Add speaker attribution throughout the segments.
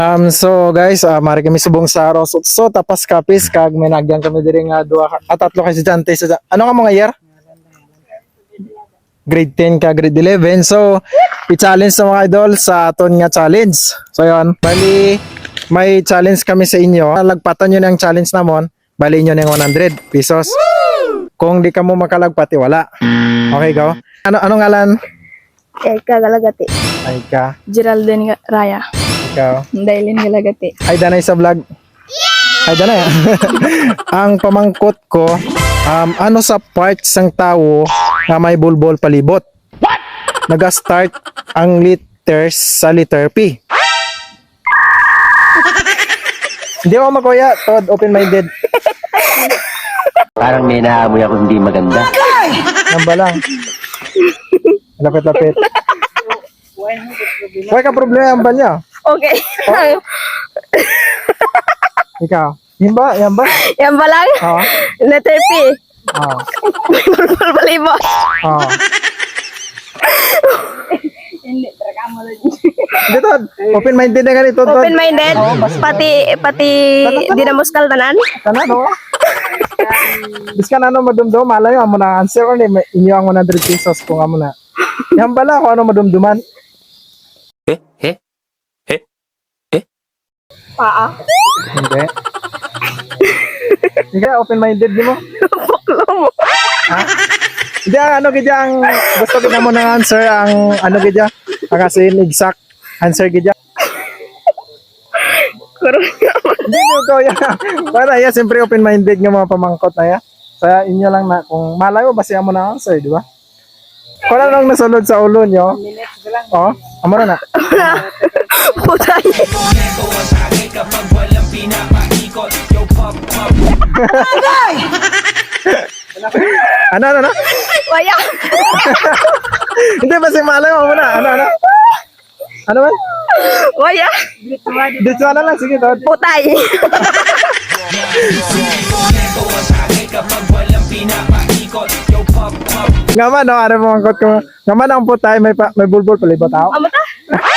Speaker 1: So guys, mari kami subong sa Rosotso tapas kapis kag may nagyan kami diri nga duha at tatlo ka estudyante sa ano ka mga year? Grade 10 ka grade 11. So i-challenge sa mga idol sa aton nga challenge. So yon, bali may challenge kami sa inyo. Lagpatan niyo ang challenge namon, bali niyo ng 100 pesos. Kung di ka mo makalagpati wala. Okay, go. Ano ngalan?
Speaker 2: Eka Galagati.
Speaker 1: Ay ka.
Speaker 2: Geraldine Raya.
Speaker 1: Ikaw.
Speaker 2: Dailin Galagati.
Speaker 1: Ay danay sa vlog. Ay danay. Ang pamangkot ko, ano sa parts ng tao na may bulbol palibot? What? Naga-start ang letters sa letter P. Hindi ako makuya, Todd, open-minded.
Speaker 3: Parang may naamoy ako hindi maganda.
Speaker 1: Namba lang. Lapit-lapit. Huwag ka problema ang ba niya?
Speaker 2: Okay.
Speaker 1: Ikaw. Yan ba? Yan ba?
Speaker 2: Yan ba lang?
Speaker 1: Oo.
Speaker 2: Letter P.
Speaker 1: Oo.
Speaker 2: May bulbul balibo.
Speaker 1: Oo.
Speaker 2: Hindi, talaga mo lang.
Speaker 1: Hindi, Todd. Open-minded na ganito, Todd.
Speaker 2: Open-minded? Pati di na muskal tanan?
Speaker 1: Tanan, no? Bis ka na ano madumdum, malayo amo na answer or inyo ang 100 pesos kung amo na. Yan bala kung ano madumduman.
Speaker 2: Paa.
Speaker 1: Hindi. Hindi ka open-minded di mo?
Speaker 2: Buklo mo.
Speaker 1: Ha? Hindi ang ano gidya ang gusto kita mo ng answer ang ano gidya ang asin exact answer gidya.
Speaker 2: Kurang naman.
Speaker 1: Hindi ko ya. Para ya siyempre open-minded nga mga pamangkot na ya. Sa inyo lang na kung malayo ba siya mo na answer, di ba? Kung ano lang nasulod sa ulo nyo. Oh, amo na na.
Speaker 2: Putay.
Speaker 1: Ano?
Speaker 2: Waya.
Speaker 1: Hindi ba si malayo amo na? Ano? Ano ba?
Speaker 2: Waya.
Speaker 1: Dito na lang sige Todd.
Speaker 2: Putay.
Speaker 1: Ngaman no, ano mo angkot ko. Ngaman ang putay may bulbul palibot tao.
Speaker 2: Amo ta?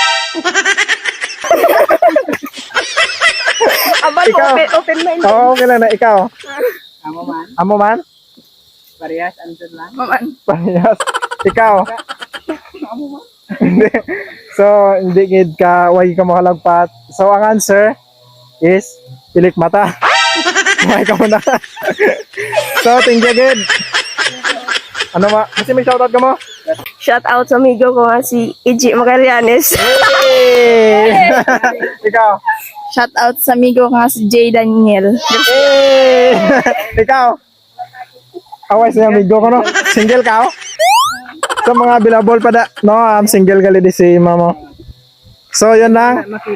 Speaker 2: Aban mo,
Speaker 1: Ikaw.
Speaker 2: open-minded.
Speaker 1: Oo, okay lang na ikaw.
Speaker 2: Amo man.
Speaker 1: Amo man?
Speaker 2: Parehas, answer lang. Maman.
Speaker 1: Parehas. Ikaw. Hindi. So, hindi gid ka, wag ka makalagpat. So, ang answer is pilik mata. Kumain ka muna. So, thank you gid. Ano ma? Kasi may shoutout ka mo?
Speaker 2: Shout out sa amigo ko nga si Iji Magallanes.
Speaker 1: Hey! Ikaw.
Speaker 2: Shout out sa amigo ko nga si Jay Daniel.
Speaker 1: Hey! Ikaw. Away sa amigo ko no. Single ka oh? Sa mga bilabol pa da. No, I'm single gali di si mama. So, yun lang.